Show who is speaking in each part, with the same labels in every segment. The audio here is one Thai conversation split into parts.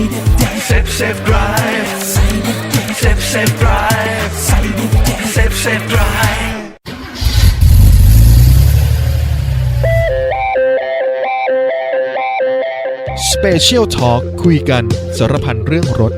Speaker 1: Safe Drive Safe Drive Safe Drive
Speaker 2: Special Talk คุยกันสารพันเรื่องรถ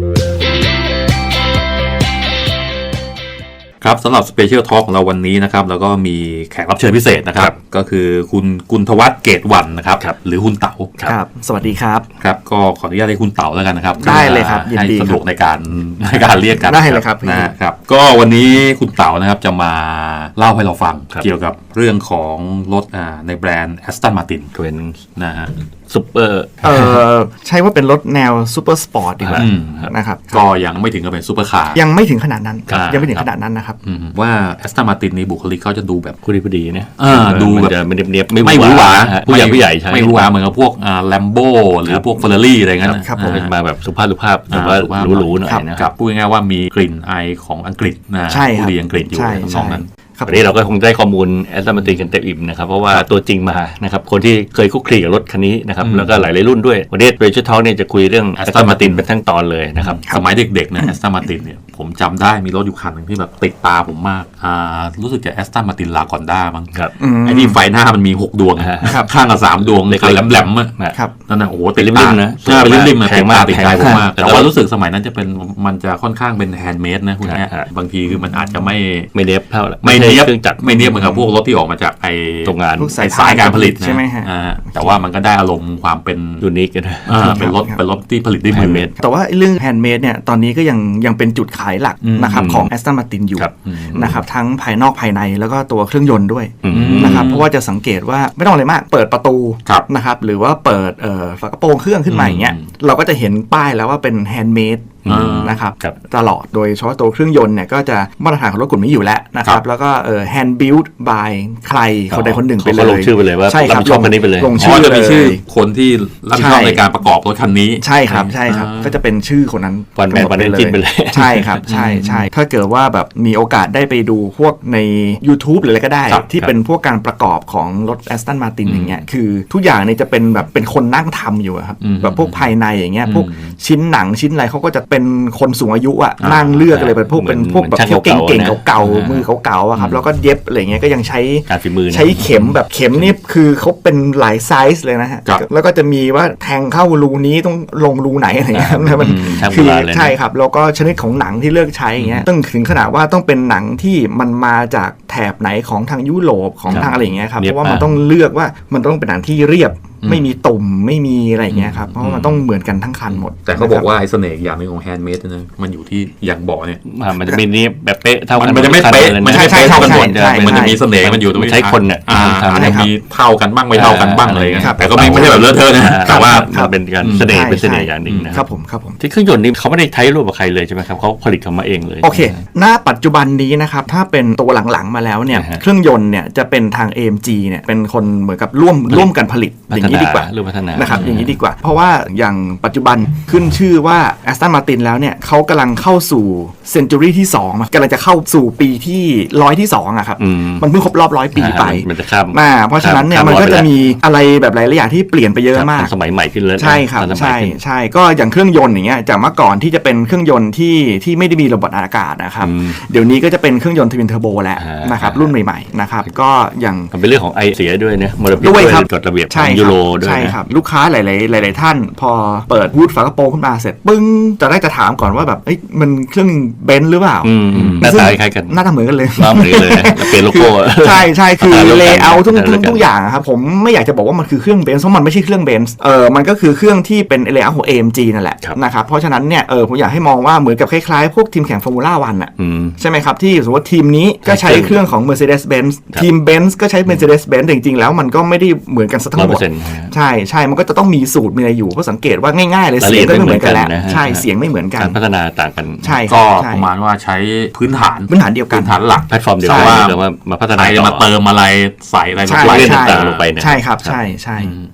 Speaker 3: ครับสำหรับ Special Talk ของเราวันนี้นะครับแล้วก็มีแขกรับเชิญพิเศษนะครับก็คือคุณกุลธวัฒน์เกตวรรณนะครับหรือคุณเต๋า
Speaker 4: ครับสวัสดีครับ
Speaker 3: ครับก็ขออนุญาตให้คุณเต๋าแล้วกันนะครับ
Speaker 4: ได้เลยครับยินดี
Speaker 3: ให้สะดวกในการเรียกกัน
Speaker 4: ได้เลยครับ
Speaker 3: นะครับก็วันนี้คุณเต๋านะครับจะมาเล่าให้เราฟังเกี่ยวกับเรื่องของรถในแบรนด์ Aston Martin
Speaker 5: เป็น
Speaker 3: นะฮะ
Speaker 5: ซุปเปอร์
Speaker 4: ใช้ว่าเป็นรถแนวซูเปอร์สปอร์ตดีกว่านะครับ
Speaker 3: ก็ยังไม่ถึงกับเป็นซูเปอร์คาร์
Speaker 4: ยังไม่ถึงขนาดนั้นยังไม่ถึงขนาดนั้นนะครับ
Speaker 3: ว่า Aston Martin ในบุคลิกเขาจะดูแบบ
Speaker 5: พอดีนะ
Speaker 3: ดูแบบ
Speaker 5: ไม่เนียบ
Speaker 3: ไม่หวือหวา
Speaker 5: ผู้ใหญ่ใช่
Speaker 3: ไม่หวือหวาเหมือนกับพวกLambo หรือพวก Ferrari อะไรเงี้ย
Speaker 5: ครับผมมาแบบสุภาพแต่ว่าหรูๆหน่อยนะครับ
Speaker 3: พูดง่ายๆว่ามีกลิ่นไอของอังกฤษนะผู้ดีอังกฤษอยู่ในตรงนั้น
Speaker 5: วันนี้เราก็คงได้ข้อมูลแอสตันมาร์ตินกันเต็มอิ่มนะครับเพราะว่าตัวจริงมานะครับคนที่เคยคุกคีกับรถคันนี้นะครับแล้วก็หลายรุ่นด้วยวันนี้เรเจอร์ทอล์กเนี่ยจะคุยเรื่องแอสตันมาร์ตินเป็นทั้งตอนเลยนะครับ
Speaker 3: สมัยเด็กๆเนี่ยแอสตันมาร์ตินเนี่ยผมจำได้มีรถอยู่คันนึงที่แบบติดตาผมมากรู้สึกจะแอสตันมาร์ตินลาคอนด้ามั้งไอ้ที่ไฟหน้ามันมี6ดวงข้างกับ3ดวงเลยแหลมๆอ่ะนั่นน่ะโอ้โหติดริมๆนะเป็นริมๆแพงมากติดใจผมมากแต่ว่ารู้สึกสมัยนั้นจะเป็นมันจะค่อนข้างเป็นแฮนด์เมดนะคุณเนี่ยบางทีคือมันอาจจะไม่
Speaker 5: เนียบเท่า
Speaker 3: ไม่เนียบเหมือนกับพวกรถที่ออกมาจากไอ้
Speaker 5: โรงงาน
Speaker 3: สายการผลิต
Speaker 4: ใช่ไหมฮะ
Speaker 3: แต่ว่ามันก็ได้อารมณ์ความเป็น
Speaker 5: ยูนิคกัน
Speaker 3: เป็นรถที่ผลิตด้วยมือ
Speaker 4: แต่ว่าเรื่องแฮนด์เมดเนี่ยตอนนี้ก็ยังเป็นจุดขายหลักนะครับของ Aston Martin อยู่นะครับทั้งภายนอกภายในแล้วก็ตัวเครื่องยนต์ด้วยนะครับเพราะว่าจะสังเกตว่าไม่ต้องอะไรมากเปิดประตูนะครับหรือว่าเปิดฝากระโปรงเครื่องขึ้นมาอย่างเงี้ยเราก็จะเห็นป้ายแล้วว่าเป็นแฮนด์เมดนะครับตลอดโดยเฉพาะตัวเครื่องยนต์เนี่ยก็จะมาตรฐานของรถกลุ่มนี้อยู่แล้วนะครับแล้วก็hand built by ใครคนใดคนหนึ่งไปเลย
Speaker 5: ลงชื่อไปเลยว่า
Speaker 4: ใช่ครับ
Speaker 5: ลงคันนี้ไปเลย
Speaker 4: ลงชื่อ
Speaker 3: จะมีชื่อคนที่รับผิดชอบในการประกอบรถคันนี้
Speaker 4: ใช่ครับก็จะเป็นชื่อคนนั้น
Speaker 5: วันแมนวันเดนจินไปเลย
Speaker 4: ใช่ครับใช่ถ้าเกิดว่าแบบมีโอกาสได้ไปดูพวกใน YouTube หรืออะไรก็ได้ที่เป็นพวกการประกอบของรถ Aston Martin อย่างเงี้ยคือทุกอย่างเนี่ยจะเป็นแบบเป็นคนนั่งทำอยู่ครับแบบพวกภายในอย่างเงี้ยพวกชิ้นหนังชิ้นอะไรเขาก็จะเป็นคนสูงอายุอ่ะนั่งเลือกเลยเป็นพวกแบบเก่งๆเก่าๆมือเก่าๆอะครับแล้วก็เย็บอะไรเงี้ยก็ยังใช้
Speaker 5: การฝีมือ
Speaker 4: ใช้เข็มแบบเข็มนี่คือเขาเป็นหลายไซส์เลยนะฮะแล้วก็จะมีว่าแทงเข้ารูนี้ต้องลงรูไหนอะไรเงี้ยมันคือใช่ครับแล้วก็ชนิดของหนังที่เลือกใช้อย่างเงี้ยต้องถึงขนาดว่าต้องเป็นหนังที่มันมาจากแถบไหนของทางยุโรปของทางอะไรอย่างเงี้ยครับเพราะว่ามันต้องเลือกว่ามันต้องเป็นหนังที่เรียบไม่มีตุ่มไม่มีอะไรอย่างเงี้ยครับเพราะมันต้องเหมือนกันทั้งคันหมด
Speaker 3: แต่เขาบอกว่าไอ้เสน่ห์อย่างนึงของแฮนด์เมดนะมันอยู่ที่อย่างบอกเนี่ย
Speaker 5: มันจะมีนี้แบบเป๊ะเท่ากัน
Speaker 3: มันจะไม่เป๊ะมันใช่กันหมดมันจะมีเสน่ห์มันอยู่ตรง
Speaker 5: ใช้คนเนี่ย
Speaker 3: มันจะมีเท่ากันบ้างไม่เท่ากันบ้างอะไรเงี้ยแต่ก็ไม่ใช่แบบเลอะเทอะนะแต่ว่า
Speaker 5: มันเป็นการเสน่ห์เป็นเสน่ห์อย่างหนึ่งนะครับ
Speaker 4: ผม
Speaker 5: ที่เครื่องยนต์นี้เขาไม่ได้ใช้ร่วมกับใครเลยใช่ไหมครับเขาผลิตเขามาเองเลย
Speaker 4: โอเคณปัจจุบันนี้นะครับถ้าเป็นตัวหลังๆมาแล้วเนี่ยเครื่องยนต์เนี่ยจะเป็นทาง AMG เนี่ยเป็นคนเหมือนกับร่วมกันผลิตอย่างนี้ดีกว่านะครับอย่างนี้ดีกว่าเพราะว่าอย่างปัจจุบันขึ้นชื่อว่า Aston Martin แล้วเนี่ยเขากำลังเข้าสู่เซนจูรี่ที่2กำลังจะเข้าสู่ปีที่100ที่2อะครับมันเพิ่งครบรอบ100 ปีไปเพราะฉะนั้นเนี่ยมันก็จะมีอะไรแบบหลายๆอย่างที่เปลี่ยนไปเยอะมาก
Speaker 5: สมัยใหม่ขึ้นเลย
Speaker 4: ใช่ครับใช่ก็อย่างเครื่องยนต์อย่างเงี้ยจากเมื่อก่อนที่จะเป็นเครื่องยนต์ที่ไม่ได้มีระบบอากาศนะครับเดี๋ยวนี้ก็จะเป็นเครื่องยนต์ทวินเทอร์โบแล้วนะครับรุ่นใหม่ๆนะครับก็อย่าง
Speaker 5: เป็นเรื่องของไอเสียด้วยนะมลพิษ
Speaker 4: ด้วย
Speaker 5: กฎระเบียบของยูโรด้วย
Speaker 4: ใช่ครับลูกค้าหลายท่านพอเปิดวูดฝากระโปรงขึ้นมาเสร็จปึ้งจะถามก่อนว่าแบบมันเครื่องเบนซ์หรือเปล่า
Speaker 5: หน้าตาคล้ายกัน
Speaker 4: หน้าตาเหมือนกันเลย
Speaker 5: เหมือนเลยเปลี่ยนโลโก้
Speaker 4: ใช่คือเลเยอร์ทุกอย่างครับผมไม่อยากจะบอกว่ามันคือเครื่องเบนซ์เพราะมันไม่ใช่เครื่องเบนซ์มันก็คือเครื่องที่เป็นเลเยอร์ของ AMG นั่นแหละนะครับเพราะฉะนั้นเนี่ยผมอยากให้มองว่าเหมือนกับคล้ายๆพวกทีมแข่งฟอร์มูล่าวันอ่ะใช่ไหมครับที่สมมติว่าทีมนี้ก็ใช้เครื่องของ Mercedes-Benz ทีม Benz ก็ใช้ Mercedes-Benz แต่จริงๆแล้วมันก็ไม่ได้เหมือนกันซะทั้งหมดใช่มันก็จะต้องมีสูตรมีอะไรอยู่เพราะสังเกตว่าง่ายๆเลยเสียงก็ไม่เหมือนกันแล้วใช่เสียงไม่เหมือนกัน
Speaker 5: การพัฒนาต่างกัน
Speaker 4: ใช่
Speaker 3: ก็ประมาณว่าใช้พื้นฐาน
Speaker 4: เดียวกัน
Speaker 3: พื้นฐานหลัก
Speaker 5: แพลตฟอร์มเดียวกันว่ามาพัฒนา
Speaker 3: มาเติมอะไรใส่อะไร
Speaker 5: เล่นต่างๆลงไปเนี่ย
Speaker 4: ใช่ครับใช่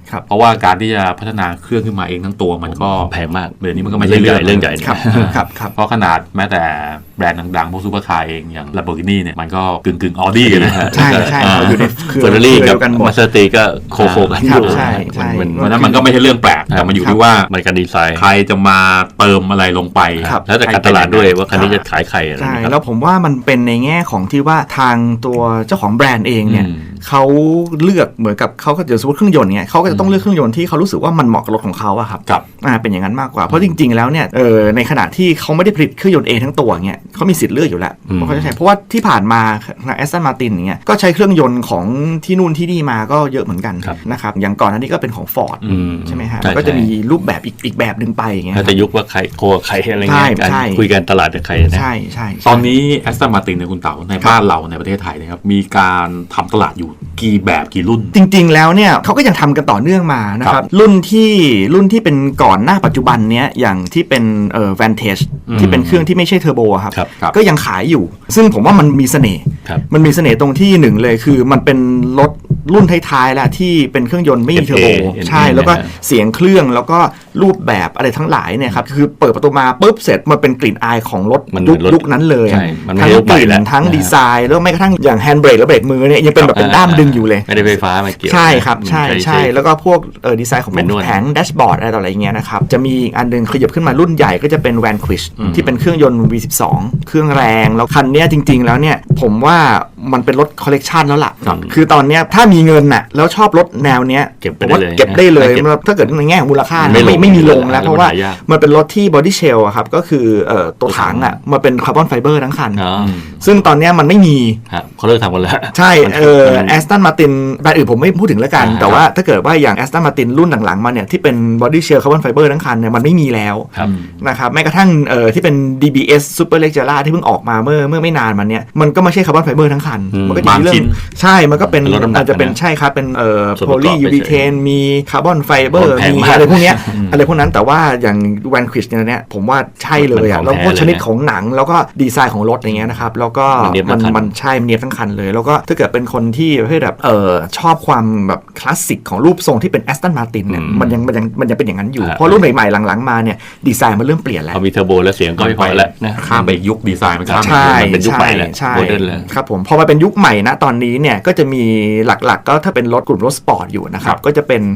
Speaker 4: ครับ
Speaker 3: เพราะว่าการที่จะพัฒนาเครื่องขึ้นมาเองทั้งตัวมันก็
Speaker 5: แพงมาก
Speaker 3: เดี๋ยวนี้มันก็ไม่ใช่เรื่อง
Speaker 5: ใหญ่
Speaker 4: ครับครับ
Speaker 3: เพราะขนาดแม้แต่แบรนด์ดังๆพวกซูเปอร์คาร์เองอย่าง Lamborghini เนี่ยมันก็กึ่งออดี้กันนะ
Speaker 4: ใช่เขาอยู่ในเครือ
Speaker 5: เฟอร์รารี่กับ
Speaker 4: กันหม
Speaker 5: มา
Speaker 4: ด
Speaker 5: สเตอร์ตีก็โคกันอ
Speaker 4: ครับ
Speaker 5: ยู่
Speaker 4: ใช่ใช่
Speaker 3: เพราะฉะนั้นมันก็ไม่ใช่เรื่องแปลกแต่มันอยู่ที่ว่า
Speaker 5: มันการดีไซน์
Speaker 3: ใครจะมาเติมอะไรลงไป
Speaker 4: ครับ
Speaker 5: แล้วแต่การตลาดด้วยว่าคันนี้จะขายใครอะไร
Speaker 4: ใช่
Speaker 5: นะครับ
Speaker 4: แล้วผมว่ามันเป็นในแง่ของที่ว่าทางตัวเจ้าของแบรนด์เองเนี่ย
Speaker 3: อืม
Speaker 4: เขาเลือกเหมือนกับเขาก็เดี๋ยวสมมติเครื่องยนต์เนี่ยเขาก็จะต้องเลือกเครื่องยนต์ที่เขารู้สึกว่ามันเหมาะกับรถของเขาอะครับ
Speaker 3: กับ
Speaker 4: เป็นอย่างนั้นมากกว่าเพราะจริงๆแล้วเนี่ยในขณะที่เขาไม่ได้ผลิตเครื่องยนต์เองทั้งตัวเนี่ยเขามีสิทธิ์เลือกอยู่แล้ว
Speaker 5: อืม
Speaker 4: เพราะเขาจะใช้เพราะว่าที่ผ่านมาทางแอสตันมาตินอย่างเงี้ยก็ใช้เครื่องยนต์ของที่นู่นที่นี่มาก็เยอะเหมือนกันนะครับอย่างก่อนหน้านี้ก็เป็นของ Ford ใช่ไหมฮะ
Speaker 5: ใช่
Speaker 4: ก็จะมีรูปแบบอีกแบบหนึ่งไปอย่างเงี้ย
Speaker 5: ถ้าจะยุคว่าใครโคกับใครอะไรเงี้ย
Speaker 4: ใช่
Speaker 5: การคุยกันตลาดกับใครนะ
Speaker 4: ใช่ใช่
Speaker 3: ตอนนี้แอสตันมาตินในยคุณเต๋าในบ้านเราในประเทศไทยนะครับมีการทำตลาดอยู่กี่แบบกี่รุ่น
Speaker 4: จริงๆ แล้วเนี่ยเขาก็ยังทำกันต่อเนื่องมานะครับรุ่นที่เป็นก่อนหน้าปัจจุบันเนี้ยอย่างที่เป็นVantage ที่เป็นเครื่องที่ไม่ใช่เทอร์โบอะครับ
Speaker 3: ครับ
Speaker 4: ก็ยังขายอยู่ ซึ่งผมว่ามันมีเสน่ห์
Speaker 5: ครับ
Speaker 4: มันมีเสน่ห์ตรงที่หนึ่งเลยคือมันเป็นรถรุ่นท้ายๆแล้วที่เป็นเครื่องยนต์ไม่มีเทอร์โบ
Speaker 5: NA
Speaker 4: ใช่แล้วก็เสียงเครื่องแล้วก็รูปแบบอะไรทั้งหลายเนี่ยครับคือเปิดประตูมาปุ๊บเสร็จมันเป็นกลิ่นอายของรถ
Speaker 5: มันเหมือนรถ
Speaker 4: ยุคนั้นเลย
Speaker 5: ใช่มันไม่
Speaker 4: ทั้ง
Speaker 5: ใช่รถ
Speaker 4: ก
Speaker 5: ใหม่
Speaker 4: ลิ่น
Speaker 5: แล้ว
Speaker 4: ทั้ง
Speaker 5: นะฮะ
Speaker 4: ดีไซน์แล้วแม้กระทั่งอย่างแฮนด์เบรกและเบรกมือเนี่ยยังเป็นแบบเป็นด้ามดึงอยู่เลย
Speaker 5: ไม่ได้ไฟฟ้ามาเกี่ยว
Speaker 4: ใช่ครับใช่
Speaker 5: ใช้
Speaker 4: ใช่แล้วก็พวกดีไซน์ของ
Speaker 5: Manual
Speaker 4: แผงแดชบอร์ดอะไรต่ออะไรเงี้ยนะครับจะมีอีกอันหนึงขยับขึ้นมารุ่นใหญ่ก็จะเป็น Vanquish ที่เป็นเครื่องยนต์ V12 เครื่องแรงแล้วคันเนี้ยจริง ๆ แล้วเนี่ยผมว่ามันเป็นรถคอลเลกชันแล้วล่ะ
Speaker 5: ครับ
Speaker 4: คือตอนเนี้ยถ้ามีเงินน่ะแล้วชอบรถแนวเนี้ย
Speaker 5: เก็บไป
Speaker 4: ผมว่า
Speaker 5: ได้เลย
Speaker 4: เก็บได้เลย
Speaker 5: เก็บ
Speaker 4: ถ้าเกิดในแง่ของมูลค่า
Speaker 5: ไม่ลง
Speaker 4: ไม่มีลงแล้ว
Speaker 5: แล้ว
Speaker 4: เพราะว่า
Speaker 5: มันหายาก
Speaker 4: มันเป็นรถที่บอดี้เชลอะครับก็คือตัวถังอะมาเป็นคาร์บอนไฟเบอร์ทั้งคัน
Speaker 5: อ๋อ
Speaker 4: ซึ่งตอนเนี้ยมันไม่มี
Speaker 5: ครับเขาเลิกทำกันแล้ว
Speaker 4: ใช่
Speaker 5: มัน
Speaker 4: แอสตันมาตินแบรนด์อื่นผมไม่พูดถึงแล้วกัน แต่ว่าถ้าเกิดว่าอย่างแอสตันมาตินรุ่นหลังๆมาเนี่ยที่เป็นบอดี้เชลคาร์บอนไฟเบอร์ทั้งคันเนี่ยมันไม่มีแล้ว
Speaker 5: ครับ
Speaker 4: นะครับแม้กระทั่งที่เป็น DBS Super Leggera ที่เพิ่งออกมาเมื่อไม่นานมาเนี่ยมันก็ไม่ใช่คาร์บอนไฟเบอร์ทั้งคัน มันก็จะมีเรื่
Speaker 3: บางชิ้
Speaker 4: อง
Speaker 3: น
Speaker 4: ใช่มันก็เป็น
Speaker 5: เป็นลดน้ำหนัก
Speaker 4: อาจจะเป็น
Speaker 5: นะ
Speaker 4: ใช่ครับเป็น
Speaker 5: ส่วน
Speaker 4: โพ
Speaker 5: ประกอบ
Speaker 4: ลียูรีเทนมีคาร์บอนไฟเบอร์
Speaker 5: แพง
Speaker 4: มี
Speaker 5: มาก
Speaker 4: อะไรพวกเนี้ยอะไรพวกนั้นแต่ว่าอย่าง Vanquish เนี่ยผมว่าใช่เลยอ่ะ
Speaker 5: มัน
Speaker 4: แล้ว
Speaker 5: ของ
Speaker 4: พวก
Speaker 5: แท้
Speaker 4: ชนิด
Speaker 5: เลยนะ
Speaker 4: ของหนังแล้วก็ดีไซน์ของรถอย่างเงี้ยนะครับแล้วก็
Speaker 5: มันเนียบทั้งคัน
Speaker 4: มันใช่มันเนียบทั้งคันเลย แล้วก็ถ้าเกิดเป็นคนที่ประเภทแบบชอบความแบบคลาสสิกของรูปทรงที่เป็น Aston Martin เนี่ยมันยังเป็นอย่างนั้นอยู่ เพราะรุ่นใหม่ๆหลังๆมาเนี่ยดีไซน์มันเริ่มเปลี่ยนแล้ว
Speaker 5: พอมีเทอร์โบแล้วเสียงก็ไม่พอแล้วนะ
Speaker 3: ข้ามไปยุคดีไซน์มันข้ามไป
Speaker 4: ใช่
Speaker 5: มันเป็นยุคใหม่แล้ว
Speaker 4: ใช่
Speaker 5: โมเดิร์นแล้ว
Speaker 4: ครับผมพอมาเป็นยุคใหม่นะตอนนี้เนี่ยก็จะมีหลักๆก็ถ้าเป็นรถกลุ่มรถสปอร์ตอยู่นะครับก็จะเป็น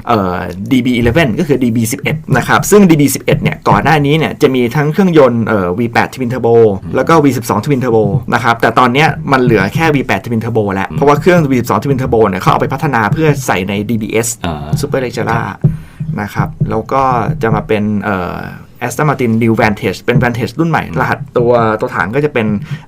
Speaker 4: DB11 ก็คือ DB11 นะครับซึ่ง DB11 เนี่ยก่อนหน้านี้เนี่ยจะมีทั้งเครื่องยนต์V8 Twin Turbo แล้วก็ V12 Twin Turbo นะครับแต่ตอนเนี้ยมันเหลือแค่ V8 Twin Turbo แล้วเพราะว่าเครื่อง V12 Twin Turbo เนี่ยเขาเอาไปพัฒนาเพื่อใส่ใน DBS
Speaker 5: อ่า
Speaker 4: Super Leggera นะครับแล้วก็จะมาเป็นAston Martin New Vantage เป็น Vantage รุ่นใหม่ รหัสตัวถังก็จะเป็น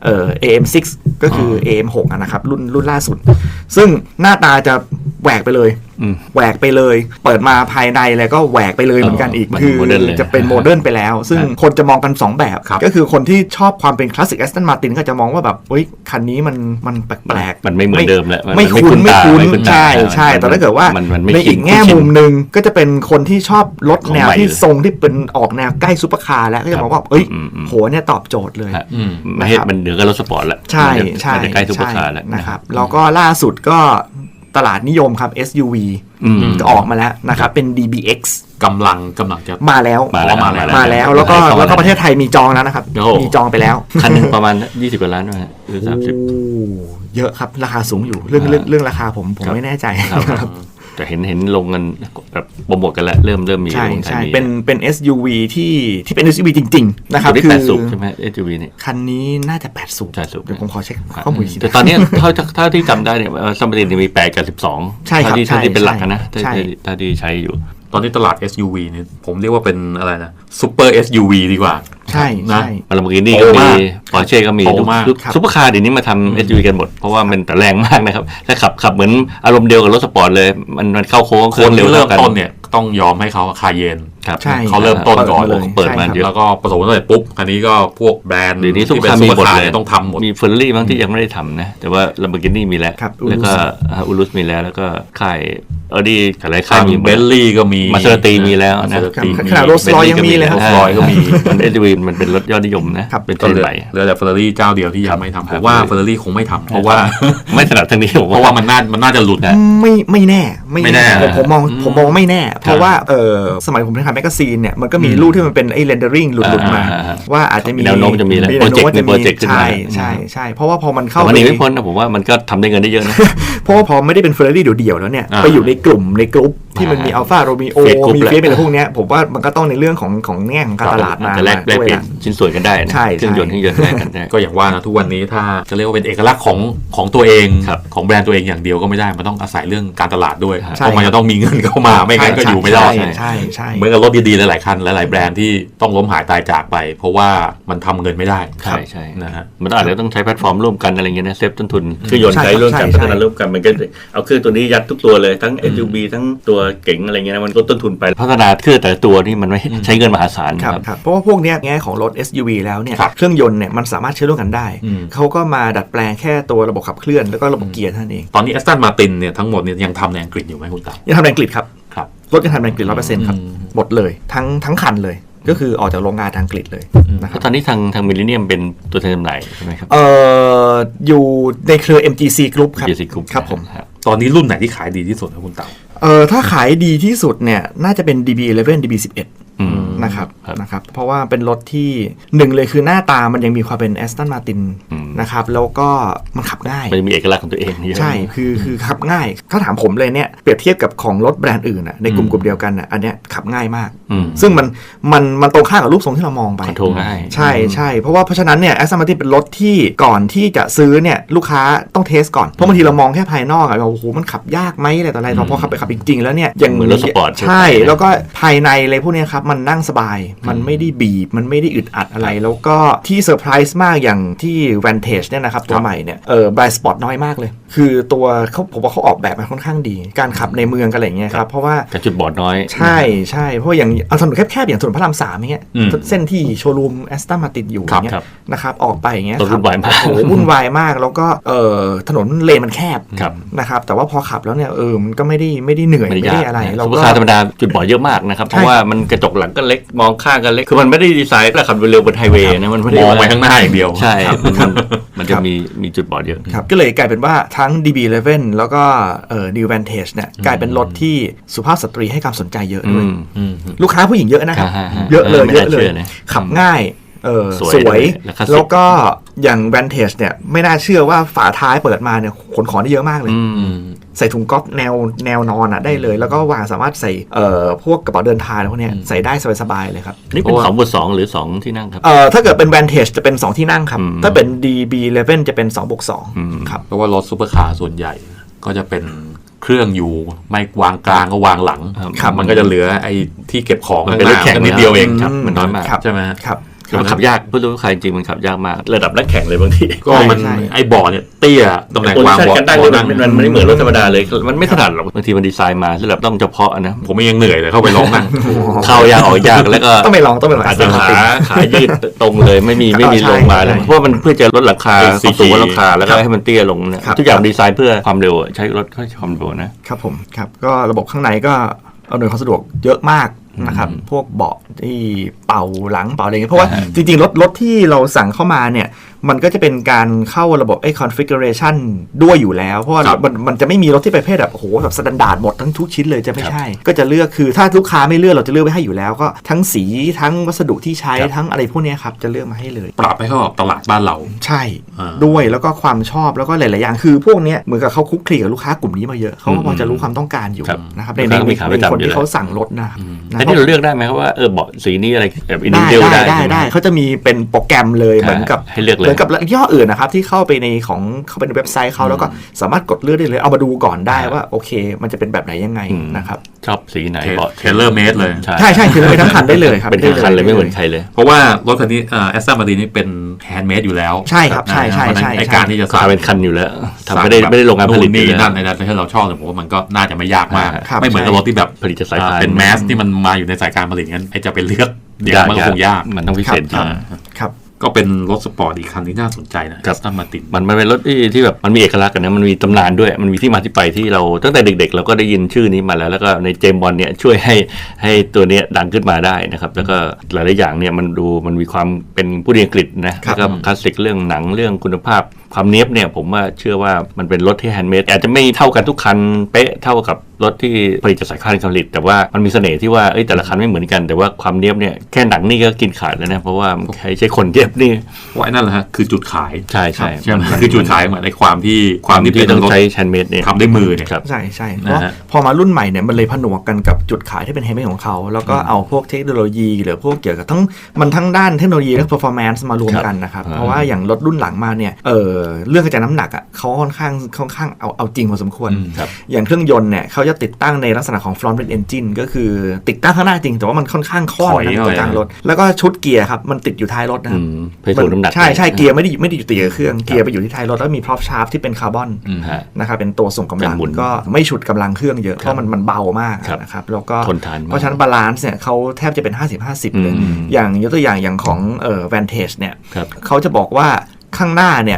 Speaker 4: AM6 ก็คือ AM6 อะนะครับรุ่นล่าสุด ซึ่งหน้าตาจะแหวกไปเลย แหวกไปเลย เปิดมาภายในแล้วก็แหวกไปเลยเหมือนกันอีก
Speaker 5: มัน
Speaker 4: คือ
Speaker 5: โมเดิร์นเลย
Speaker 4: จะเป็นโมเดิร์นไปแล้ว ซึ่งคนจะมองกัน 2 แบบ
Speaker 3: ครับ
Speaker 4: ก็คือคนที่ชอบความเป็นคลาสสิก Aston Martin ก็จะมองว่าแบบเฮ้ยคันนี้มันแปลกๆ
Speaker 5: มันไม่เหมือนเดิมแล้วมัน
Speaker 4: ไม่
Speaker 5: ไม่
Speaker 4: คุ้น
Speaker 5: คุ้นตา
Speaker 4: ไม่คุ้น
Speaker 5: ไม่คุ้นตา
Speaker 4: ใช่
Speaker 5: มัน
Speaker 4: ใช่แต่ถ้าเกิดว่า
Speaker 5: มันไม่
Speaker 4: ในอีกแง่
Speaker 5: คุ้นชิน
Speaker 4: มุมหนึ่งก็จะเป็นคนที่ชอบรถแนว
Speaker 5: ของใหม่
Speaker 4: ที่ทรงที่เป็นออกแนวใกล้ซุปเปอร์คาร์แล้วก็จะมองว่าเอ้ย
Speaker 5: อืม
Speaker 4: โหเนี่ยตอบโจทย์เลย
Speaker 5: ฮะไม่ให้
Speaker 4: นะครับ
Speaker 5: มันเหนือกับรถสปอร์ตแล้ว
Speaker 4: ใช่
Speaker 5: มันจะใกล้ซุปเปอร์คาร์
Speaker 4: ใช่
Speaker 5: แล้ว
Speaker 4: นะครับแล้วก็ล่าสุดก็ตลาดนิยมครับ SUV ก็ออกมาแล้วนะครับเป็น DBX
Speaker 3: กำลังจะ
Speaker 4: มาแล้ว
Speaker 5: มาแล้ว
Speaker 3: มาแล้ว
Speaker 4: มาแล้วแล้วก็ประเทศไทยมีจองแล้วนะครับ
Speaker 5: โอ้โห
Speaker 4: มีจองไปแล้ว
Speaker 5: คันหนึงประมาณ 20 กว่าล้านด้วยฮะหรือ 30
Speaker 4: โอ้เยอะครับราคาสูงอยู่เรื่องราคาผมไม่แน่ใจ
Speaker 5: ครับแต่เห็นลงกันแบบโปรโมทกันแล้วเริ่มมี
Speaker 4: ใช่
Speaker 5: ลงไทย
Speaker 4: ใช่
Speaker 5: มี
Speaker 4: เป็น SUV ที่เป็น SUV จริงๆนะครับ
Speaker 5: ตัวนี้
Speaker 4: คือ
Speaker 5: 8 สูบใช่ไหม SUV นี่
Speaker 4: คันนี้น่าจะ8สูบ
Speaker 5: 8สูบ
Speaker 4: เดี๋ยวผมขอเช็คข้อมูลอีกที
Speaker 5: แต่ตอนเนี้ยเท่าที่จำได้เนี่ยสมบัติมี8 กับ 12
Speaker 4: ใช่ครับ
Speaker 5: เท่าที่เป็นหลักนะ
Speaker 4: ใช่
Speaker 5: ถ้าที่ใช้อยู่
Speaker 3: ตอนนี้ตลาด SUV เนี่ยผมเรียกว่าเป็นอะไรนะซูเปอร์ SUV ดีกว่า
Speaker 4: ใช่
Speaker 3: นะ
Speaker 4: ใช่
Speaker 5: มาลาโบกินี่ก็
Speaker 3: โต
Speaker 5: มี
Speaker 3: มาก
Speaker 5: ปอร์เช่ก็มี
Speaker 3: โตมาก
Speaker 5: ซุปเปอร์คาร์เดี๋ยวนี้มาทำ SUV กันหมด เพราะว่ามันแต่แรงมากนะครับถ้าขับเหมือนอารมณ์เดียวกับรถสปอร์ตเลย มันเข้าโค้ง
Speaker 3: คนที่เริ่ม
Speaker 5: กัน
Speaker 3: ต้นเนี่ยต้องยอมให้เขาคาเยน
Speaker 5: ครับ
Speaker 4: ใช่
Speaker 3: เขาเริ่มต้นก่อน
Speaker 5: เปิดมาเยอะ
Speaker 3: แล้วก็ประสบความสำเร็จปุ๊บคันนี้ก็พวกแบรนด์
Speaker 5: เดี๋ยวนี้ซุป
Speaker 3: ที่
Speaker 5: เปอร์
Speaker 3: เป็น
Speaker 5: คาร์
Speaker 3: ซู
Speaker 5: มี
Speaker 3: เปอ
Speaker 5: หมด
Speaker 3: ร์คาร์
Speaker 5: เลย
Speaker 3: เนี่ยต้องทำหมด
Speaker 5: มีเฟอร์รารี่บางที่ยังไม่ได้ทำนะ แต่ว่า Lamborghini มีแล้ว
Speaker 4: ครับ
Speaker 5: แล้วก็อุลุสมีแล้วก็ค่าย Audi หลายค่ายมี
Speaker 3: เบลลี่ก็มี
Speaker 5: มาเซอร์ตีมีแล้วนะ
Speaker 4: ขนาด Rolls-Royce ยังมีเลยครับ
Speaker 3: Rolls-Royce ก็มี
Speaker 5: มัน SUV มันเป็นรถยอดนิยมนะเป็นเทรนด์ใหม่
Speaker 3: เหลือแต่เฟอร์รารี่เจ้าเดียวที่ยังไม่ทำผมว่าเฟอร์รารี่คงไม่ทำเพราะว่า
Speaker 5: ไม่ถนัดทางนี้ผม
Speaker 3: เพราะว่ามันน่าจะหลุดนะ
Speaker 4: ไม่แน่
Speaker 3: ไม่แน่
Speaker 4: ผมมองว่าไม่แน่ เพราะว่าสมัยผมทำแมกกาซีนเนี่ยมันก็มีรูปที่มันเป็นไอ้เรนเดอริ่งหลุดมาว่าอาจจะมี
Speaker 5: แนวโน้มจะมีแล้วโปรเจกต์ขึ้นมา
Speaker 4: ใช่เพราะว่าพอมันเข้า
Speaker 5: วันนี้ไม่พ้นนะผมว่ามันก็ทำได้เงินได้เยอะนะ
Speaker 4: เพราะว่าพอไม่ได้เป็นเฟอร์รารี่เดี่ยวๆแล้วเนี่ยไปอยู่ในกลุ่มในกรุ๊ปที่มันมีอัลฟาโรมิโอ
Speaker 5: Fiat Group
Speaker 4: มีเฟียสอะไรพวกเนี้ยผมว่ามันก็ต้องในเรื่องของแง่ของการตลาดมา
Speaker 5: จะแลกเปลี่ยนชิ้นส่วนกันได้นะ
Speaker 4: ใช่
Speaker 5: เครื่องยนต์แลกกันได้
Speaker 3: ก็อย่างว่านะทุกวันนี้ถ้าจะเรียกว่าเป็นเอกลักษณ์ของตัวเอง
Speaker 5: ครับ
Speaker 3: ของแบรนด์ตัวเองอย่างเดียวก็ไม่ได้มันต้องอาศัยเรื่องการตลาดด้วย
Speaker 4: ใช่
Speaker 3: เพราะมันจะต้องมีเงินเข้ามาไม่งั้นก็อยู่ไม่ได้
Speaker 4: ใช่
Speaker 3: เหมือนกับรถดีๆหลายๆคันหลายๆแบรนด์ที่ต้องล้มหายตายจากไป เพราะว่ามันทำเงินไม่ได้
Speaker 5: ใช่
Speaker 3: นะฮะ
Speaker 5: มันอาจจะต้องใช้แพลตฟอร์มร่วมกันอะไรเงี้ยนะเซฟต้นทุนเครื่องยนต์
Speaker 4: ใช่
Speaker 5: ใช้ร่วมกัน
Speaker 4: ใช่
Speaker 5: พัฒนาร่วมกันมันก็เอาเครื่องตัวนี้ยัดทุกตัวเลยทั้ง SUV ทั้งตัวเก๋งอะไรเงี้ยนะมันลดต้นทุนไปพัฒนาเครื่องแต่ละตัวนี่มันไม่ใช้เงินมหาศาล
Speaker 4: ครับเพราะว่าพวกเนี้ยแง่ของรถ SUV แล้วเนี่ย
Speaker 3: ครับ
Speaker 4: เครื่องยนต์เนี่ยมันสามารถใช้ร่วมกันได้
Speaker 3: อืม
Speaker 4: เขาก็มาดัดแปลงแค่ตัวระบบขับเคลื่อนแล้วก็ระบบเกียร์เท่านั้นเอง
Speaker 3: ตอนนี้แอสตันมาตินเนี่ยทั้งหมดเนี่ยยังทำในอังกฤษอยู่ไหมคุณเต๋า
Speaker 4: ยังทำในอังกฤษครับ
Speaker 3: ครับ
Speaker 4: รถยังทำในอังกฤษ 100% ครับหมดเลยทั้งคันเลยก็คือออกจากโรงงานทางอังกฤษเลยนะค
Speaker 5: เพ
Speaker 4: รับ
Speaker 5: ราะตอนนี้ทางมิลเลนเนียมเป็นตัวแทนจำหน่ายใช่ไหมครับ
Speaker 4: อยู่ในเครือ MGC Group ครับ
Speaker 5: MGC Group
Speaker 4: ครับผม
Speaker 3: ตอนนี้รุ่นไหนที่ขายดีที่สุดนะคุณเต๋า
Speaker 4: ถ้าขายดีที่สุดเนี่ยน่าจะเป็น DB11 DB11
Speaker 5: อืม
Speaker 4: นะครับเพราะว่าเป็นรถที่หนึ่งเลยคือหน้าตามันยังมีความเป็น Aston Martin นะครับแล้วก็มันขับง่าย
Speaker 5: มันจะมีเอกลักษณ์ของตัวเองเยอะ
Speaker 4: ใช่คือขับง่ายถ้าถามผมเลยเนี่ยเปรียบเทียบกับของรถแบรนด์อื่นอะในกลุ่มเดียวกันอะอันเนี้ยขับง่ายมาก ซึ่งมันตรงข้ามกับรูปทรงที่เรามองไป
Speaker 5: คอนโทรลง่าย
Speaker 4: ใช่เพราะฉะนั้นเนี่ย Aston Martin เป็นรถที่ก่อนที่จะซื้อเนี่ยลูกค้าต้องเทสก่อนเพราะบางทีเรามองแค่ภายนอกอะเราโอ้โหมันขับยากไหมอะไรต่ออะไรพอขับไปขับจริงๆแล้วเนี่ยอย่าง
Speaker 5: เหมือนรถสปอร์ต
Speaker 4: ใช่แล้วก็ภายในอะไรพวกเนี้ยครับมันนั่งสบายมันไม่ได้บีบมันไม่ได้อึดอัดอะไรแล้วก็ที่เซอร์ไพรส์มากอย่างที่ Vantage เนี่ยนะครับตัวใหม่เนี่ยblind spot น้อยมากเลยคือตัวผมว่าเขาออกแบบมาค่อนข้างดีการขับในเมืองกันอะไรอย่างเงี้ยครับเพราะว่า
Speaker 5: กับจุดบอดน้อย
Speaker 4: ใช่เพราะอย่างถนนแคบๆอย่างถนนพระราม3อย่างเงี้ยเส้นที่โชว์รูมแอสตันมาติดอยู่อย่างเงี้ยนะครับออกไปอย่างเงี้ย
Speaker 5: รถวุ่นวายมาก
Speaker 4: โอ้โหวุ่นวายมากแล้วก็ถนนเลนมันแคบ
Speaker 5: ครับ
Speaker 4: นะครับแต่ว่าพอขับแล้วเนี่ยมันก็ไม่ได้เหนื่อยไม่ได้อะไร
Speaker 5: ซุ
Speaker 4: เรา
Speaker 5: ปเปอ
Speaker 4: ก็
Speaker 5: ร์คาร์ธรรมดาจุดบอดเยอะมากนะครับเพราะว่ามันกระจกหลังก็เล็กมองข้างก็เล็กคือมันไม่ได้ดีไซน์แล้วขับเร็วบนไฮเวย์นะมันไม่ได้
Speaker 3: มองไปข้างหน้าอย่างเดียว
Speaker 5: ใช่มันจะมีจุดบอดเยอะ
Speaker 4: ครับก็เลยกลายเป็นว่าทั้ง DB11 แล้วก็New Vantage เนี่ยกลายเป็นรถที่สุภาพสตรีให้ความสนใจเยอะด้วยลูกค้าผู้หญิงเยอะนะครับ เยอะเลย
Speaker 5: ไม่
Speaker 4: เย
Speaker 5: น่า
Speaker 4: อะเล
Speaker 5: เชื่
Speaker 4: ย
Speaker 5: อนะ
Speaker 4: ขับง่าย
Speaker 5: สวย
Speaker 4: สวย
Speaker 5: และคลาสสิก
Speaker 4: แล้วก็อย่าง Vantage เนี่ยไม่น่าเชื่อว่าฝาท้ายเปิดมาเนี่ยขนของได้เยอะมากเลย ใส่ถุงก๊อฟแนวนอนได้เลย แล้วก็วางสามารถใส่พวกกระเป๋าเดินทางพวกเนี้ยใส่ได้สบายๆเลยครับ
Speaker 5: นี่เป็น2/2หรือ2ที่นั่งครับ
Speaker 4: ถ้าเกิดเป็น Vantage จะเป็น 2 ที่นั่งครับ ถ้าเป็น DB11 จะเป็น 2/2 ครับ
Speaker 3: เพราะว่ารถซูเปอร์คาร์ส่วนใหญ่ก็จะเป็นเครื่องอยู่ไม่วางกลางก็วางหลัง
Speaker 4: ครับ
Speaker 3: มันก็จะเหลือไอ้ที่เก็บของ
Speaker 5: มันเป็นรถแข่ง
Speaker 3: นิดเดียวเอง
Speaker 5: ครับมันน้อยมาก
Speaker 4: ครับ
Speaker 3: ใช่ไหม
Speaker 4: ครับ
Speaker 5: คือมันขับยากผู้รู้ใครจริงมันขับยากมากระดับนักแข่งเลยบางที
Speaker 3: ก็มัน
Speaker 4: ใช่
Speaker 3: ไอ้เบาะเนี่ยเตี้ยตำแหน่งวาง
Speaker 5: โพ
Speaker 3: เบาะ
Speaker 5: ซิชั่นกันได้เลยมันไม่เหมือนรถธรรมดาเลยมันไม่ถนัดหรอกบางทีมันดีไซน์มาสำหรับต้องเฉพาะนะ
Speaker 3: ผมยังเหนื่อยเลยเข้าไปลองนั่ง
Speaker 5: เข้ายากออกยากแล้วก็
Speaker 4: ต้องไปลอง
Speaker 5: อาจจะขายืดตรงเลยไม่มีลงมาเลยเพราะมันเพื่อจะลดราคาความสูงราคาแล้วก็ให้มันเตี้ยลงนะทุกอย่างดีไซน์เพื่อความเร็วใช้รถความเร็วนะครับ
Speaker 4: ผมครับก็ระบบข้างในก็อำนวยความสะดวกเยอะมากนะครับพวกเบาะที่เป่าหลังเป่าอะไรเงี้ยเพราะว่าจริงๆรถที่เราสั่งเข้ามาเนี่ยมันก็จะเป็นการเข้าระบบconfiguration ด้วยอยู่แล้วเพราะว่ามันจะไม่มีรถที่ประเภทแบบโอ้โหแบบสแตนดาร์ดหมดทั้งทุกชิ้นเลยจะไม่ใช่ก็จะเลือกคือถ้าลูกค้าไม่เลือกเราจะเลือกไว้ให้อยู่แล้วก็ทั้งสีทั้งวัสดุที่ใช้ทั้งอะไรพวกนี้ครับจะเลือกมาให้เลย
Speaker 3: ปรับให้เข้ากับตลาดบ้านเรา
Speaker 4: ใช่ด้วยแล้วก็ความชอบแล้วก็หลายๆอย่างคือพวกนี้เหมือนกับเขาคุกคลีกับลูกค้ากลุ่มนี้มาเยอะเขาก็พอจะรู้ความต้องการอยู่นะครับในคนที่เขาสั่งรถนะครับ
Speaker 5: แต่ที่เราเลือกได้ไหมครับว่าเบาะสีนี้อะไรแบบอินดิเทลได้
Speaker 4: เขาจะมีเป็นโปรแกรมเลยเหมือนกับ
Speaker 5: ให้เลือกเลย
Speaker 4: เหมือนกับย่ห้ออื่นนะครับที่เข้าไปในเว็บไซต์เขาแล้วก็สามารถกดเลือกได้เลยเอามาดูก่อนได้ว่าโอเคมันจะเป็นแบบไหนยังไงนะครับ
Speaker 5: ชอบสีไหนเบาะ
Speaker 3: เทเลอร์เมดเลย
Speaker 4: ใช่คือไปทั้งคันได้เลยครับ
Speaker 5: เป็นทั้งคันเลยไม่เหมือนใครเลย
Speaker 3: เพราะว่ารถคันนี้แอสตันมาตินนี่เป็นแฮนด์เมดอยู่แล้ว
Speaker 4: ใช่ครับใช่
Speaker 3: ไอการที่จะ
Speaker 5: ขาเป็นคันอยู่แล้วทำไม่ได้โรงงานผลิต
Speaker 3: นี่นั่นในนั้นที่เราชอบแต่ผมว่ามันก็น่าจะไม่ยากมาก
Speaker 4: ครับ
Speaker 3: ไม่เหมือนกับรถที่แบบ
Speaker 5: ผลิตจากสายพาน
Speaker 3: เป็นแมสที่มันมาอยู่ในสายการผลิตงั้นไอจะไปเลือกเดี๋ยวมันก็คงยาก
Speaker 5: มันต้องพิเศษจริง
Speaker 4: ครับ
Speaker 3: ก็เป็นรถสปอร์ตอีกคันที่น่าสนใจนะแอสตันมาติน
Speaker 5: มันเป็นรถที่แบบมันมีเอกลักษณ์กันนะมันมีตำนานด้วยมันมีที่มาที่ไปที่เราตั้งแต่เด็กๆเราก็ได้ยินชื่อนี้มาแล้วก็ในเจมส์บอนด์เนี่ยช่วยให้ตัวเนี้ยดังขึ้นมาได้นะครับแล้วก็หลายๆอย่างเนี่ยมันมีความเป็นผู้เรียนอังกฤษนะแล้วก็คลาสสิกเรื่องหนังเรื่องคุณภาพความเนี๊ยบเนี่ยผมว่าเชื่อว่ามันเป็นรถที่แฮนด์เมดอาจจะไม่เท่ากันทุกคันเป๊ะเท่ากับรถที่ผลิตจากสายการผลิตแต่ว่ามันมีเสน่ห์ที่ว่าแต่ละคันไม่เหมือนกันแต่ว่าความเนี๊ยบเนี่ยแค่หนังนี่ก็กินขาดแล้วนะเพราะว่าใช้คนเย็บนี่
Speaker 3: ว่านั่นแหละฮะคือจุดขาย
Speaker 5: ใช่
Speaker 3: คือจุดขายเหมือนในความที่
Speaker 5: ต้องใช้แฮนด์เมดเนี่ย
Speaker 3: ทำด้วยมือเนี่ย
Speaker 4: ใช่เพราะพอมารุ่นใหม่เนี่ยมันเลยผนวกกันกับจุดขายที่เป็นแฮนด์เมดของเขาแล้วก็เอาพวกเทคโนโลยีหรือพวกเกี่ยวกับทั้งด้านเทคโนโลยีและ performance มารวมกันนะครับเพราะว่าอย่างรถรุ่นหลังมาเนี่ยเรื่องกระจายน้ำหนักอ่ะเขาค่อนข้างเอาจริงพอสมควรอย่างเครื่องยนต์เนี่ยเขาจะติดตั้งในลักษณะของ front engine ก็คือติดตั้งข้างหน้าจริงแต่ว่ามันค่อนข้างค่อนตรงกลางรถแล้วก็ชุดเกียร์ครับมันติดอยู่ท้ายรถนะครับ
Speaker 5: เพื่อถ่วงน้ำหนัก
Speaker 4: ใช่เกียร์ไม่ได้อยู่ติดกับเครื่องเกียร์ไปอยู่ที่ท้ายรถแล้วมี prop shaft ที่เป็นคาร์บอนนะครับเป็นตัวส่งกำลังก็ไม่ฉุดกำลังเครื่องเยอะเพราะมันเบามากนะครับแล้วก็เพราะฉะนั้นบาลานซ์เนี่ยเขาแทบจะเป็น 50-50 เลยอย่างยกตัวอย่างของVantage เนี่ยเขาจะบอกว่าข้างหน้าเนี่ย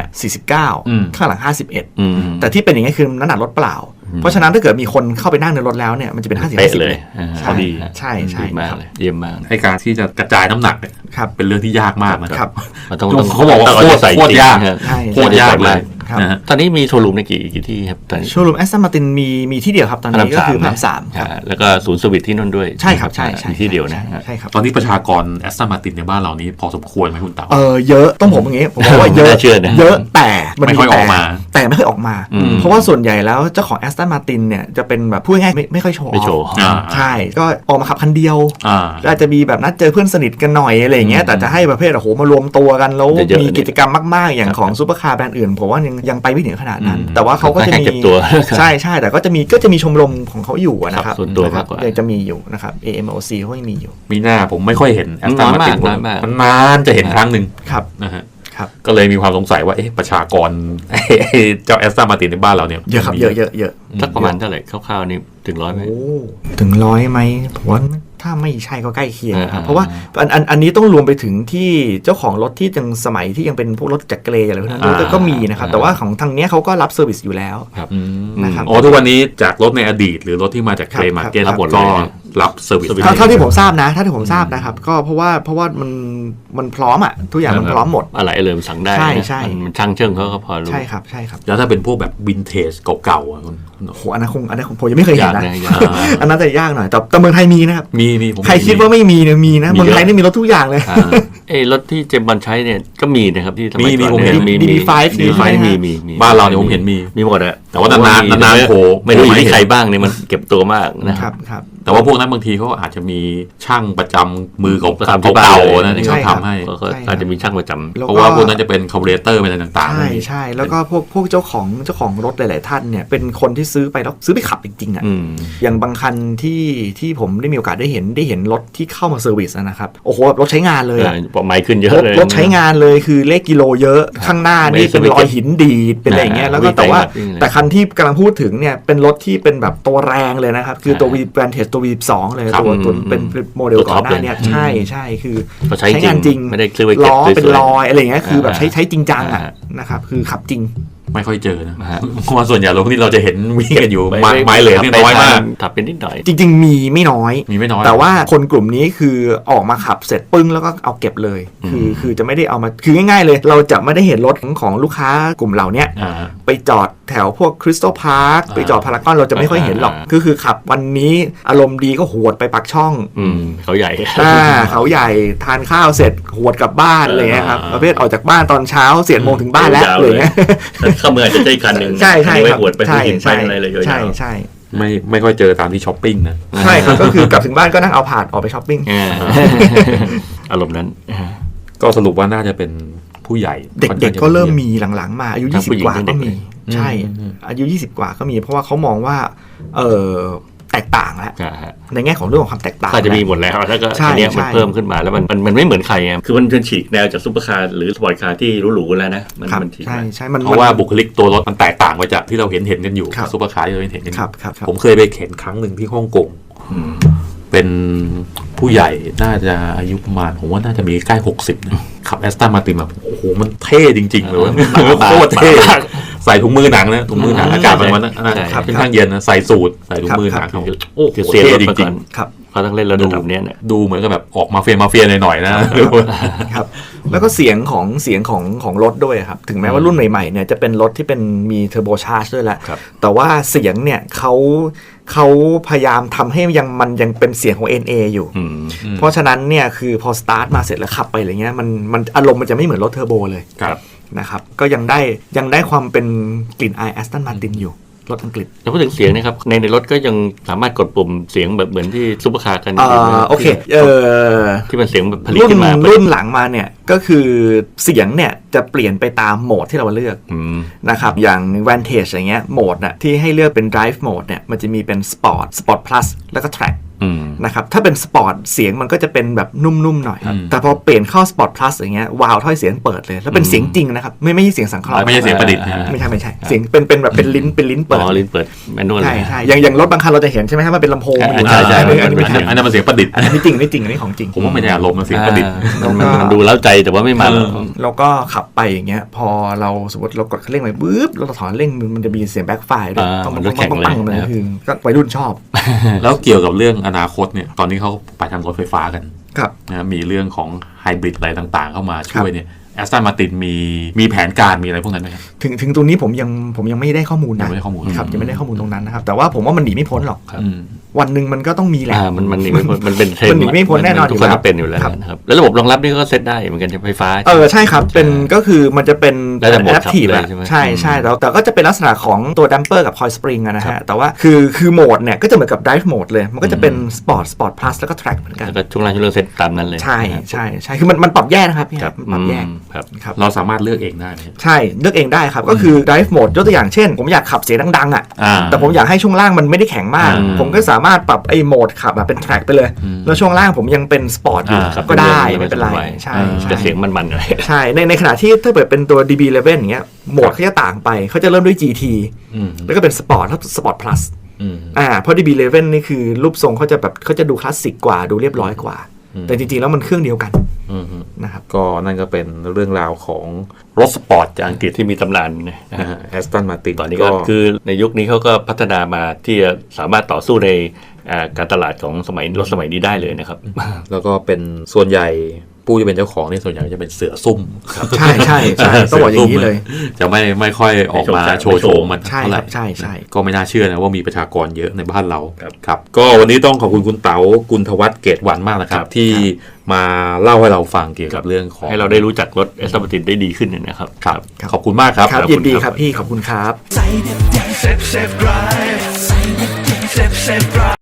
Speaker 4: 49ข้างหลัง51แต่ที่เป็นอย่างนี้คือน้ำหนักรถเปล่าเพราะฉะนั้นถ้าเกิดมีคนเข้าไปนั่งในรถแล้วเนี่ยมันจะเป็น50-50
Speaker 5: เลย
Speaker 4: ใช่
Speaker 5: มากเลยเยี่ยมมาก
Speaker 3: ให้การที่จะกระจายน้ำหนักเนี่ยเป็นเรื่องที่ยากมากนะครับ
Speaker 5: เขาบอกว่าโคตรยาก
Speaker 3: เลย
Speaker 5: ตอนนี้มีโชว์รูมในกี่ที่ครับตอนนี้
Speaker 4: โชว์รูมแอสตันมาตินมีที่เดียวครับตอนนี้ก็คือพระราม3
Speaker 5: แล้วก็ศูนย์สวิตที่นั่นด้วย
Speaker 4: ใช่ครับใช่
Speaker 5: ที่เดียวนะ
Speaker 4: ใช่ครับ
Speaker 3: ตอนนี้ประชากรแอสตันมาตินในบ้านเรานี้พอสมควรไหมคุณเต๋า
Speaker 4: เยอะต้องผมอย่างงี้ผมบอกว่าเยอะแต่
Speaker 3: ไม่ค่อยออกมา
Speaker 4: แต่ไม่ค่อยออกมาเพราะว่าส่วนใหญ่แล้วเจ้าของแอสตันมาตินเนี่ยจะเป็นแบบพูดง่ายไม่ค่อยโชว์ใช่ก็ออกมาขับคันเดียวอาจจะมีแบบนัดเจอเพื่อนสนิทกันหน่อยอะไรอย่างเงี้ยแต่จะให้ประเภทโอ้โหมารวมตัวกันแล้วมีกิจกรรมมากๆอย่างของซุปเปอร์คาร์แบรนด์อื่นผมว่ายังไปไม่ถึงขนาดนั้นแต่ว่าเขาก็จะมีใช่แต่ก็จะมีชมรมของเขาอยู่นะครับ
Speaker 5: ส่วนตัวมากกว่า
Speaker 4: จะมีอยู่นะครับ AMOC เขายังมีอยู่
Speaker 3: มีหน้าผมไม่ค่อยเห็นแอสตันมาตินมันนานจะเห็นครั้งหนึ่งนะฮะก็เลยมีความสงสัยว่าประชากรเจ้าแอสตันมาตินในบ้านเราเนี่ย
Speaker 4: เยอะครับเยอะ
Speaker 5: สักประมาณเท่าไหร่คร่าวๆนี่ถึง100ไหม
Speaker 4: ถึง100ไหมผมว่าถ้าไม่ใช่ก็ใกล้เคียงครับเพราะว่าอันนี้ต้องรวมไปถึงที่เจ้าของรถที่ยังสมัยที่ยังเป็นพวกรถจักรเกรอะไรพวกนั้นก็มีนะครับแต่ว่าของทางนี้เขาก็รับเซอร์วิสอยู่แล้ว
Speaker 3: นะครับทุกวันนี้จากรถในอดีตหรือรถที่มาจากเกรมาร์เก็ตก็รับเซอร์วิส
Speaker 4: เท่าที่ผมทราบนะครับก็เพราะว่ามันพร้อมอ่ะทุกอย่างมันพร้อมหมด
Speaker 5: อะไรเลยสั่งได้
Speaker 4: ใช่
Speaker 5: มันช่างเชิงเขาก็พอรู้
Speaker 4: ใช่ครับ
Speaker 3: แล้วถ้าเป็นพวกแบบวินเทจเก่าๆอ่ะ
Speaker 4: โหอันนั้นคงผมยังไม่เคยเห็นนะอันนั้นแต่ยากหน่อยแต่เมืองไทยมีนะครับ
Speaker 3: มี
Speaker 4: ใครคิดว่าไม่มีเนี่ยมีนะเมืองไทยนี่มีรถทุกอย่างเลย
Speaker 5: รถที่เจมส์บอนด์ใช้เนี่ยก็มีนะครับที่
Speaker 3: มีผมเห็น
Speaker 4: มี DB5
Speaker 5: มี
Speaker 3: บ้านเราเนี่ยผมเห็นมี
Speaker 5: หมดอะ
Speaker 3: แต่ว่านานโผล่
Speaker 5: ไม่รู้อยู่ที่ใครบ้างเนี่ยมันเก็บตัวมากนะครับ
Speaker 3: แต่ว่าพวกนั้นบางทีเขาอาจจะมีช่างประจำมือของเก่าๆนะที่เขาทำให้
Speaker 5: อาจจะมีช่างประจำ
Speaker 3: เพราะว่าพวกนั้นจะเป็นคาร์บูเรเตอร์อะไรต่าง
Speaker 4: ๆใช่แล้วก็พวกเจ้าของรถหลายๆท่านเนี่ยเป็นคนที่ซื้อไปแล้วซื้อไปขับจริงๆอ่ะอย่างบางคันที่ผมได้มีโอกาสได้เห็นรถที่เข้ามาเซอร์วิสนะครับโอ้โหรถใช้งานเลย
Speaker 5: ไมล์ขึ้นเยอะเลย
Speaker 4: รถใช้งานเลยคือเลขกิโลเยอะข้างหน้านี่เป็นรอยหินดีดเป็นอะไรอย่างเงี้ยแล้วก็แต่คันที่กำลังพูดถึงเนี่ยเป็นรถที่เป็นแบบตัวแรงเลยนะครับคือตัว Vantage ตัว V12 เลยตัวเป็นโมเดลก่อนหน้านี้ใช่คือใช้งานจริงล้อเป็นรอยอะไรอย่างเงี้ยคือแบบใช้จริงจังอ่ะนะครับคือขับจริง
Speaker 3: ไม่ค่อยเจอนะเพราะว่าส่วนใหญ่รถที่เราจะเห็นวิ่งกันอยู่ไม้เหลือนี่น้อยมาก
Speaker 5: ขับเป็นนิดหน่อย
Speaker 4: จริงๆมีไม่น้อยแต่ว่าคนกลุ่มนี้คือออกมาขับเสร็จปึ้งแล้วก็เอาเก็บเลยคือจะไม่ได้เอามาคือง่ายๆเลยเราจะไม่ได้เห็นรถของลูกค้ากลุ่มเหล่านี้ไปจอดแถวพวกคริสตัลพาร์คไปจอดพารากอนเราจะไม่ค่อยเห็นหรอกคือขับวันนี้อารมณ์ดีก็หวดไปปักช่อง
Speaker 5: เขาใหญ่
Speaker 4: เขาใหญ่ทานข้าวเสร็จหวดกลับบ้านเลยครับประเภทออกจากบ้านตอนเช้า4 โมงถึงบ้านแล้วเลย
Speaker 5: เข้าเมืองจะได้คันหนึ่ง
Speaker 4: ใช่
Speaker 5: ไม่หวดไปหินไปอะไรเลย
Speaker 4: ใช่
Speaker 3: ไม่ค่อยเจอตามที่ช้อปปิ้งนะ
Speaker 4: ใช่ครับก็คือกลับถึงบ้านก็นั่งเอาผ่านออกไปช้อปปิ้ง
Speaker 5: อารมณ์นั้น
Speaker 3: ก็สรุปว่าน่าจะเป็นผู้ใหญ่
Speaker 4: เด็กๆก็เริ่มมีหลังๆมาอายุ20กว่าก็มีใช่อายุ20กว่าก็มีเพราะว่าเขามองว่าแตกต่างแล้วในแง่ของเรื่องของความแตกต่าง
Speaker 5: ก็จะมีหมดแล้วแล้วก็อันนี้มันเพิ่มขึ้นมาแล้วมันไม่เหมือนใครไงคือมันฉีกแนวจากซุปเปอร์คาร์หรือสปอร์ตคาร์ที่หรูๆแล้วนะมันฉีก
Speaker 4: ใช่
Speaker 3: เพราะว่าบุคลิกตัวรถมันแตกต่างไปจากที่เราเห็นกันอยู่ซุปเปอร์คาร์ที่เราเห็นกันอยู่ผมเคยไปเข็นครั้งหนึ่งที่ฮ่องกงเป็นผู้ใหญ่น่าจะอายุประมาณผมว่าน่าจะมีใกล้60นะขับแอสตันมาตินแบบโอ้โหมันเท่จริงๆเลยโคตรเท่ใส่ถุงมือหนังนะถุงมือหนังอากาศมันค่อนข้างเย็นนะใส่สูทใส่ถุงมือหนังโอ้โห
Speaker 5: เสีย
Speaker 3: เท่
Speaker 5: รถ
Speaker 3: จ
Speaker 5: มา
Speaker 3: ริ
Speaker 5: ก่
Speaker 3: ง
Speaker 5: อน
Speaker 4: ครับ
Speaker 5: เขาต้องเล่นระดับเนี้ยเนี่ย
Speaker 3: ๆดูเหมือนกับแบบออกมาเฟียหน่อยๆนะ
Speaker 4: ครับแล้วก็เสียงของรถด้วยครับถึงแม้ว่ารุ่นใหม่ๆเนี่ยจะเป็นรถที่เป็นมีเทอร์โบชาร์จด้วยแหละ
Speaker 5: ครับ
Speaker 4: แต่ว่าเสียงเนี่ยเขาพยายามทำให้มันยังเป็นเสียงของ NA อยู่
Speaker 5: อืม
Speaker 4: เพราะฉะนั้นเนี่ยคือพอสตาร์ทมาเสร็จแล้วขับไปอะไรเงี้ยมันอารมณ์มันจะไม่เหมือนรถเทอร์โบเลย
Speaker 3: ครับ
Speaker 4: นะครับก็ยังได้ความเป็นกลิ่นอายแอสตันมาตินอยู่รถอังกฤษ
Speaker 5: แล้วพูดถึงเสียงนะครับในรถก็ยังสามารถกดปุ่มเสียงแบบเหมือนที่ซุปเปอร์คาร์กันยู่นะ
Speaker 4: โอเค
Speaker 5: ที่มันเสียงแบบผลิต
Speaker 4: รุ่น
Speaker 5: ขึ้นมา
Speaker 4: รุ่นหลังมาเนี่ยก็คือเสียงเนี่ยจะเปลี่ยนไปตามโหมดที่เราเลือก
Speaker 5: อืม
Speaker 4: นะครับอย่าง Vantage อย่างเงี้ยโหมดน่ะที่ให้เลือกเป็น Drive Mode เนี่ยมันจะมีเป็น Sport Plus แล้วก็ Track
Speaker 5: อืม
Speaker 4: นะครับถ้าเป็น Sport เสียงมันก็จะเป็นแบบนุ่มๆหน่อย แต่พอเปลี่ยนเข้า Sport Plus อย่างเงี้ยวาล์วถ้อยเสียงเปิดเลยแล้วเป็นเสียงจริงนะครับไม่ใช่เสียงสังเคราะห์
Speaker 3: ไม่ใช่เสียงประดิษฐ์นะ
Speaker 4: ไม่ใช่เสียงเป็นแบบเป็นลิ้นเปิด
Speaker 5: อ๋อลิ้นเปิดแมนนวล
Speaker 4: ใช่อย่างรถบางคันเราจะเห็นใช่ไหมครับมันเป็นลำโพง
Speaker 5: ใช่
Speaker 4: อันนี้ไม่ใช่
Speaker 3: อันนั้นมันเสียงประดิษฐ์
Speaker 4: อันนี้ไม่จริงอันนี้ของจริง
Speaker 3: ผมว่าไม่ได้อารมณ์มันเสียงประดิษฐ์
Speaker 5: มันดูเล้าใจแต่ว่าไม่มัน
Speaker 4: แล้วก็ขับไปอย่างเงี้ยพอเราสมมติเรากดคันเร่งไปปุ๊บแล้วเราถอนเร่งมันจะมีเสียงแบ็คไฟด้วย
Speaker 5: อ่า
Speaker 4: ต้อง
Speaker 5: มันรถแข่งเลย
Speaker 4: ปังๆเลย
Speaker 5: นะครับ
Speaker 4: คือก็วัยรุ่นชอบ
Speaker 3: แล้วเกี่ยวกับเรื่องอนาคตเนี่ยตอนนี้เขาไปทางรถไฟฟ้ากัน
Speaker 4: ครับ
Speaker 3: นะมีเรื่องของไฮบริดอะไรต่างๆ เข้ามาช่วยเนี่ยแอสตันมาตินมีแผนการมีอะไรพวกนั้นไหมครับ
Speaker 4: ถึงตรงนี้ผมยังไม่ได้ข้อมูล
Speaker 3: ยั
Speaker 4: นะ
Speaker 3: งไม่ได้ข้อมูล
Speaker 4: ครับยังไม่ได้ข้อมูลตรงนั้นนะครับแต่ว่าผมว่ามันหนีไม่พ้นหรอก
Speaker 3: อืม
Speaker 4: วันหนึ่งมันก็ต้องมีแหละ
Speaker 5: มันหนีไม่พ้นมันเป็นเทรนด์
Speaker 4: มันหนีไม่พ้นแน่นอน
Speaker 5: ทุกคน
Speaker 4: อยู่แล้ว
Speaker 5: ก็เป็นอยู่แล้ว
Speaker 4: ครับ
Speaker 5: นะครับแล้วระบบรองรับนี่ก็เซตได้เหมือนกันใช่ไหมไฟฟ้า
Speaker 4: ใช่ครับเป็นก็คือมันจะเป็น
Speaker 5: แล้วแต่โหมดขับ
Speaker 4: adaptive
Speaker 5: เลย
Speaker 4: อะ
Speaker 5: ใช่ไหม
Speaker 4: ใช่แต่ก็จะเป็นลักษณะของตัวดัมเปอร์กับ coil spring อะนะฮะแต่ว่าคือโหมดเนี่ยก็จะเหมือนกับ drive mode เลยมันก็จะเป็น sport plus แล้วก็ track เหมือนกัน
Speaker 5: แล้วก็ช่วงล่างช่วงเรื่องเซตตามนั้นเลย
Speaker 4: ใช่คือมันปรับแยกนะครับพี่
Speaker 5: ครับ
Speaker 4: มันปรับแยก
Speaker 5: ครับ
Speaker 4: ครับ
Speaker 3: เราสามารถเลือกเองได้ไหม
Speaker 4: ใช่เลือกเองได้ครับก็คือ drive mode ยกตัวอย่างเช่น ผมอยากขับเสียงดังๆอ่ะ
Speaker 3: อ่า
Speaker 4: แต่ผมอยากให้ช่วงล่างมันไม่ได้แข็งมาก ผมก็สามารถปรับไอ้โหมดขับเป็น track ไปเลย แล้วช่วงล่างผมยังเป็น sport อยู่
Speaker 5: ครับ
Speaker 4: ก็ได้
Speaker 5: เป็นเรื่อง
Speaker 4: ไม่เป็นไร
Speaker 5: สบาย
Speaker 4: ใช่
Speaker 5: แต่เสียงมันๆหน่อย
Speaker 4: ใช่ในขณะที่ถ้าเกิดเป็นตัว DB11 อย่างเงี้ยโหมดเขาจะต่างไปเขาจะเริ่มด้วย GT
Speaker 3: อืม
Speaker 4: แล้วก็เป็น sport แล้ว sport plus
Speaker 3: อืม
Speaker 4: เพราะ DB11 นี่คือรูปทรงเขาจะดูคลาสสิกกว่าดูเรียบร้อยกว่า แต่จริงๆแล้วมันเครื่องเดียวกัน
Speaker 3: อืม
Speaker 4: นะครับ
Speaker 3: ก็นั่นก็เป็นเรื่องราวของรถสปอร์ตจากอังกฤษ
Speaker 5: ที่มีตำนานนะ
Speaker 3: แอสตันมาติน
Speaker 5: ตอนนี้ก็คือในยุคนี้เขาก็พัฒนามาที่จะสามารถต่อสู้ในการตลาดของรถสมัยนี้ได้เลยนะครับ
Speaker 3: แล้วก็เป็นส่วนใหญ่ผู้ที่เป็นเจ้าของนี่ส่วนใหญ่จะเป็นเสือซุ่มครับ
Speaker 4: ใช่ต้องบอกอย่างนี้เลย
Speaker 3: จะไม่ค่อยออกมาโชว์โฉมมัน
Speaker 4: ใช่
Speaker 3: เท่าไห
Speaker 4: ค
Speaker 3: ร่
Speaker 4: รับใช่
Speaker 3: ก็ไม่น่าเชื่อนะว่ามีประชากรเยอะในบ้านเรา
Speaker 5: ครับ
Speaker 3: ครับก็วันนี้ต้องขอบคุณคุณเต๋ากุลธวัฒน์เกตหวันมากนะครับ ที่มาเล่าให้เราฟังเกี่ยวกับเรื่องของ
Speaker 5: ให้เราได้รู้จักรถเอสตันมาตินได้ดีขึ้นนะครับ
Speaker 3: ครับขอบคุณมากครับ
Speaker 4: ครับยินดีครับพี่ขอบคุณครับ
Speaker 1: Save, save, drive. Save, save, drive.